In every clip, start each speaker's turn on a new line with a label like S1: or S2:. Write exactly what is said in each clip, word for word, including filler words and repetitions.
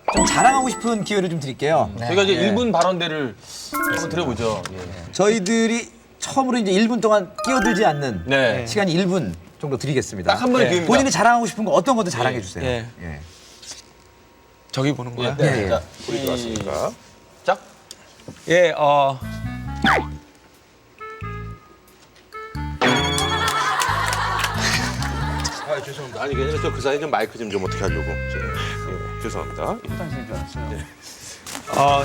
S1: 좀 자랑하고 싶은 기회를 좀 드릴게요.
S2: 네. 저희가 이제 일 분 발언대를 한번 드려보죠. 예.
S1: 저희들이 처음으로 이제 일 분 동안 끼어들지 않는
S2: 네.
S1: 시간이 일 분 정도 드리겠습니다.
S2: 딱 한 번의
S1: 네.
S2: 기회입니다.
S1: 본인이 자랑하고 싶은 거 어떤 것도 자랑해 주세요.
S3: 예.
S1: 예.
S3: 저기 보는 거야?
S2: 네.
S1: 예, 예.
S2: 자, 우리 들어왔습니까? 짝.
S3: 예, 어.
S4: 아, 죄송합니다. 아니, 그냥 저그 사이에 좀 마이크 좀 좀 어떻게 하려고. 저, 예, 죄송합니다.
S3: 어,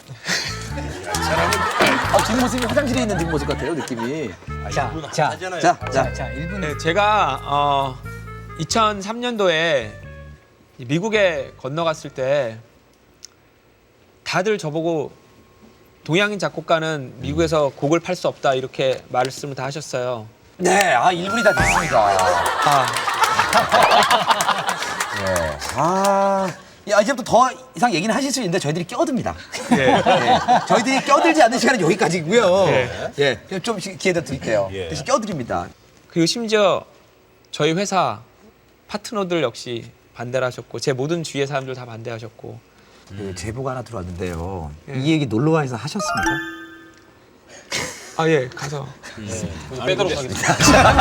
S1: 아, 뒷모습이 화장실에 있는 뒷모습 같아요, 느낌이.
S5: 자, 자,
S1: 자, 자.
S5: 자, 자, 일 분.
S3: 네, 제가 어, 이천삼 년도에 미국에 건너갔을 때 다들 저보고 동양인 작곡가는 미국에서 곡을 팔 수 없다 이렇게 말씀을 다 하셨어요.
S1: 네, 아, 일 분이 다 됐습니다.
S3: 아,
S1: 예. 아. 야, 이제부터 더 이상 얘기는 하실 수 있는데 저희들이 껴듭니다.
S3: 예.
S1: 예. 저희들이 껴들지 않는 시간은 여기까지고요.
S3: 예.
S1: 예. 좀 기회 더 드릴게요.
S4: 예.
S1: 대신 껴드립니다.
S3: 그리고 심지어 저희 회사 파트너들 역시 반대를 하셨고 제 모든 주위의 사람들 다 반대하셨고
S1: 그 제보가 하나 들어왔는데요. 이 얘기 놀러와에서 하셨습니까?
S3: 아, 예, 가서
S2: 빼도록 하겠습니다.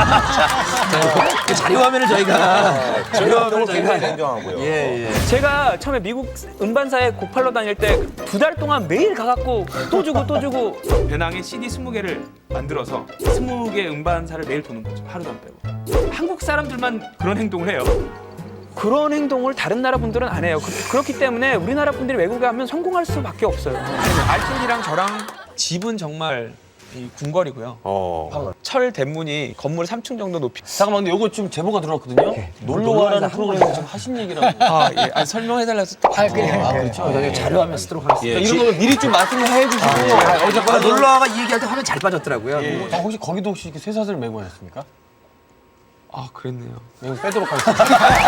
S1: 그 자료 화면을 저희가 자료 화면을 저희가
S4: 인정하고요.
S1: 예, 예.
S3: 제가 처음에 미국 음반사에 곡 팔러 다닐 때 두 달 동안 매일 가갖고 또 주고 또 주고 배낭에 씨디 스무 개를 만들어서 스무 개 음반사를 매일 도는 거죠. 하루도 안 빼고. 한국 사람들만 그런 행동을 해요. 그런 행동을 다른 나라 분들은 안 해요. 그, 그렇기 때문에 우리나라 분들이 외국에 가면 성공할 수밖에 없어요. 알튼이랑 저랑 집은 정말 이 궁궐이고요.
S4: 어.
S3: 철 대문이 건물 삼 층 정도 높이.
S2: 잠깐만, 근데 요거 지금 제보가 들어왔거든요. 놀러와라는 프로그램에 지금 하신 얘기라고.
S3: 아, 예. 아, 설명해달라고.
S5: 아, 그래.
S1: 아, 그렇죠. 저희가 자료 화면 쓰도록 하겠습니다.
S2: 그러니까 이런 거 미리 좀 말씀을 해주시고.
S1: 아,
S2: 어쨌거나
S1: 놀러와가 이 얘기할 때 화면 잘 빠졌더라고요.
S2: 예. 아, 혹시 거기도 혹시 이렇게 쇠사슬 메고 하셨습니까?
S3: 아, 그랬네요.
S2: 이거 빼도록 하겠습니다.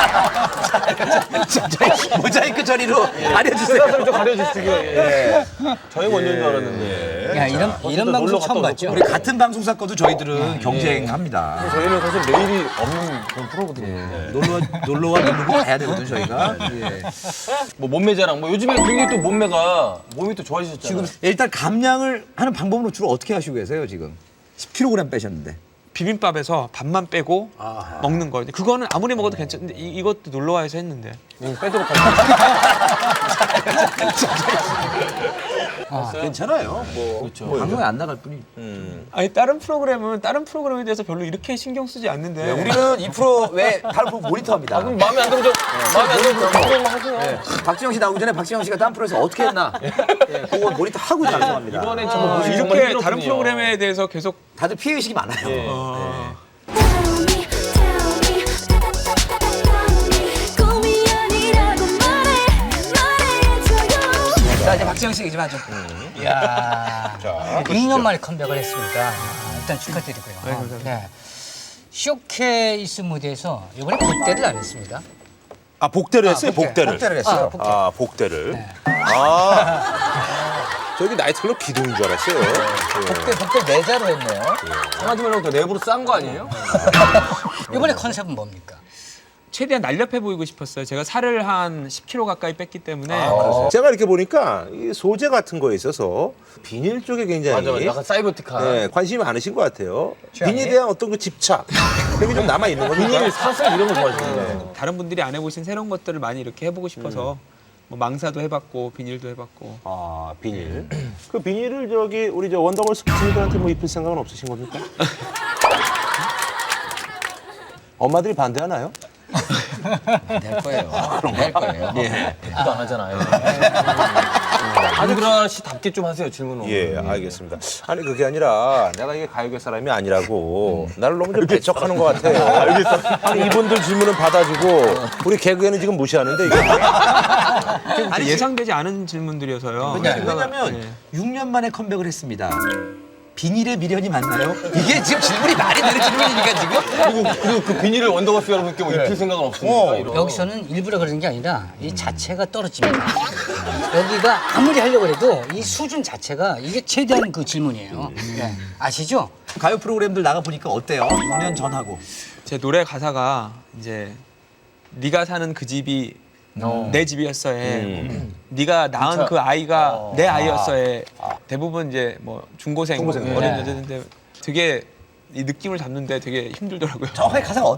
S1: 저희 모자이크 처리로 알려주세요.
S2: 쇠사슬 좀 가려주시고요. 예. 저희 원조인 줄 알았는데.
S5: 야, 이런 이런
S2: 놀러
S5: 방송
S2: 갔다
S5: 처음
S2: 오셨죠?
S5: 봤죠?
S1: 우리 같은 방송사 거도 저희들은 경쟁합니다.
S2: 저희는 사실 내일이 없는 그런 프로거든요.
S1: 놀러 놀러와 놀고 가야 되거든 저희가. 예.
S2: 뭐 몸매 자랑, 뭐 요즘에 굉장히 또 몸매가 몸이 또 좋아지셨잖아요.
S1: 지금 일단 감량을 하는 방법으로 주로 어떻게 하시고 계세요 지금? 십 킬로그램 빼셨는데.
S3: 비빔밥에서 밥만 빼고 먹는 거. 그거는 아무리 먹어도 괜찮은데 이, 이것도 놀러와서 했는데.
S2: 이거 빼도록 하겠습니다.
S1: 아, 괜찮아요. 뭐,
S2: 그렇죠.
S1: 뭐 방송에 안 나갈 뿐이.
S3: 아니 다른 프로그램은 다른 프로그램에 대해서 별로 이렇게 신경 쓰지 않는데.
S1: 네, 우리는 이 프로 외 다른 프로 모니터합니다.
S2: 아, 그럼 마음에 안 들어도 마음에 안 들어도 프로그램 하세요.
S1: 네. 박지영 씨 나오기 전에 박지영 씨가 다른 프로에서 어떻게 했나? 네, 그거 모니터 하고 방송합니다.
S2: 이번에
S3: 아,
S2: 정말 보시기 정말
S3: 이렇게
S2: 힘들었군요.
S3: 다른 프로그램에 대해서 계속
S1: 다들 피해 의식이 많아요.
S2: 예.
S3: 어,
S1: 자 이제 박지영 씨 얘기 좀 하죠.
S5: 이야, 이 년 만에 컴백을 했습니다. 아, 일단 축하드리고요. 네. 쇼케이스 무대에서 이번에 복대를 안 했습니다.
S4: 아, 복대를 했어요,
S5: 복대.
S4: 복대를.
S1: 복대를 했어요.
S5: 아, 복대.
S4: 아, 복대를. 아. 저기 나이트클럽 기둥인 줄 알았어요. 예.
S1: 복대 복대 내자로 했네요.
S2: 한마디 말로 또 내부로 싼 거 아니에요?
S5: 이번에 컨셉은 뭡니까?
S3: 최대한 날렵해 보이고 싶었어요. 제가 살을 한 십 킬로그램 가까이 뺐기 때문에
S4: 제가 이렇게 보니까 이 소재 같은 거에 있어서 비닐 쪽에 굉장히
S2: 맞아, 맞아. 약간 사이버틱한.
S4: 네, 관심이 많으신 것 같아요. 비닐에 대한 어떤 그 집착 그게 좀 남아 있는 겁니다.
S2: 비닐, 사슬 이런 거 좋아하시는데.
S3: 다른 분들이 안 해보신 새로운 것들을 많이 이렇게 해보고 싶어서 뭐 망사도 해봤고 비닐도 해봤고.
S4: 아, 비닐. 그 비닐을 저기 우리 저 원더걸스 친구들한테 뭐 입힐 생각은 없으신 겁니까? 엄마들이 반대하나요?
S1: 될 거예요. 될 거예요. 예.
S2: 대꾸도 안 하잖아요. 안그라 씨답게 좀 하세요, 질문을.
S4: 예, 알겠습니다. 아니 그게 아니라 내가 이게 가요계 사람이 아니라고 나를 너무 좀 배척하는 것 같아요. 알겠어. 아니 이분들 질문은 받아주고 우리 개그에는 지금 무시하는데 이게
S3: 아니, 예상되지 않은 질문들이었어요.
S1: 왜냐면
S3: 네.
S1: 육 년 만에 컴백을 했습니다. 비닐의 미련이 맞나요? 이게 지금 질문이 말이 되는 질문이니까 지금.
S2: 그리고, 그리고 그 비닐을 원더걸스 여러분께 뭐 입힐 생각은 없습니까? 이런.
S5: 여기서는 일부러 그러는 게 아니라 이 자체가 떨어집니다. 여기가 아무리 하려고 해도 이 수준 자체가 이게 최대한 그 질문이에요. 네. 아시죠?
S1: 가요 프로그램들 나가 보니까 어때요? 육 년 전하고.
S3: 제 노래 가사가 이제 네가 사는 그 집이 내 집이었어에
S4: 음.
S3: 네가 낳은
S2: 진짜.
S3: 그 아이가
S2: 어.
S3: 내 아이였어에 대부분 이제 뭐 중고생,
S4: 중고생.
S3: 어린
S5: 네.
S3: 여자인데 되게 이 느낌을 잡는데 되게 힘들더라고요.
S1: 정확하게 가사가